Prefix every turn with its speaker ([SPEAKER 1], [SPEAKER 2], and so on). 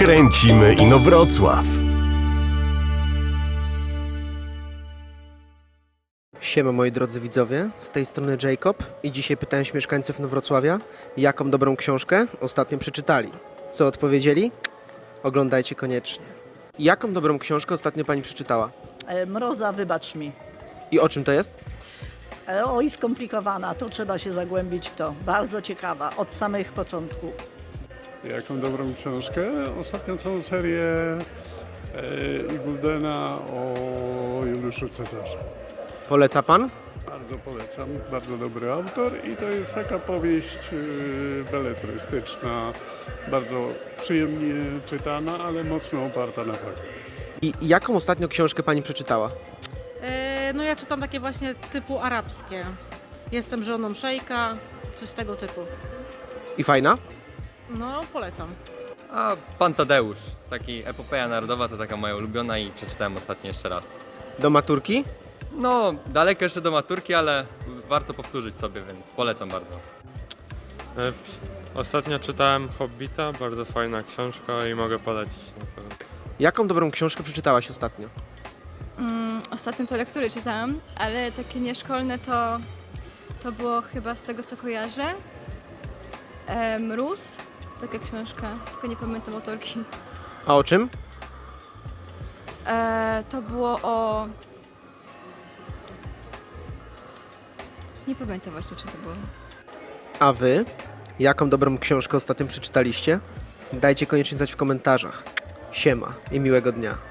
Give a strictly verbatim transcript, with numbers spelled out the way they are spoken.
[SPEAKER 1] Kręcimy Inowrocław.
[SPEAKER 2] Siema moi drodzy widzowie, z tej strony Jacob i dzisiaj pytałem się mieszkańców Inowrocławia, jaką dobrą książkę ostatnio przeczytali. Co odpowiedzieli? Oglądajcie koniecznie. Jaką dobrą książkę ostatnio pani przeczytała?
[SPEAKER 3] E, Mroza, wybacz mi.
[SPEAKER 2] I o czym to jest?
[SPEAKER 3] E, Oj, skomplikowana, to trzeba się zagłębić w to. Bardzo ciekawa, od samych początków.
[SPEAKER 4] Jaką dobrą książkę? Ostatnio całą serię e, Igoldena o Juliuszu Cezarze.
[SPEAKER 2] Poleca pan?
[SPEAKER 4] Bardzo polecam, bardzo dobry autor i to jest taka powieść e, beletrystyczna, bardzo przyjemnie czytana, ale mocno oparta na faktach.
[SPEAKER 2] I jaką ostatnio książkę pani przeczytała?
[SPEAKER 5] E, No ja czytam takie właśnie typu arabskie. Jestem żoną szejka, coś z tego typu.
[SPEAKER 2] I fajna?
[SPEAKER 5] No, polecam.
[SPEAKER 6] A Pan Tadeusz, taki epopeja narodowa, to taka moja ulubiona i przeczytałem ostatnio jeszcze raz.
[SPEAKER 2] Do maturki?
[SPEAKER 6] No, daleko jeszcze do maturki, ale warto powtórzyć sobie, więc polecam bardzo.
[SPEAKER 7] E, Ostatnio czytałem Hobbita, bardzo fajna książka i mogę polecić na pewno.
[SPEAKER 2] Jaką dobrą książkę przeczytałaś ostatnio?
[SPEAKER 8] Mm, ostatnio to lektury czytałam, ale takie nieszkolne to, to było chyba z tego co kojarzę. E, Mróz, taka książka, tylko nie pamiętam autorki.
[SPEAKER 2] A o czym?
[SPEAKER 8] E, to było o... Nie pamiętam właśnie, czy to było.
[SPEAKER 2] A wy? Jaką dobrą książkę ostatnio przeczytaliście? Dajcie koniecznie znać w komentarzach. Siema i miłego dnia.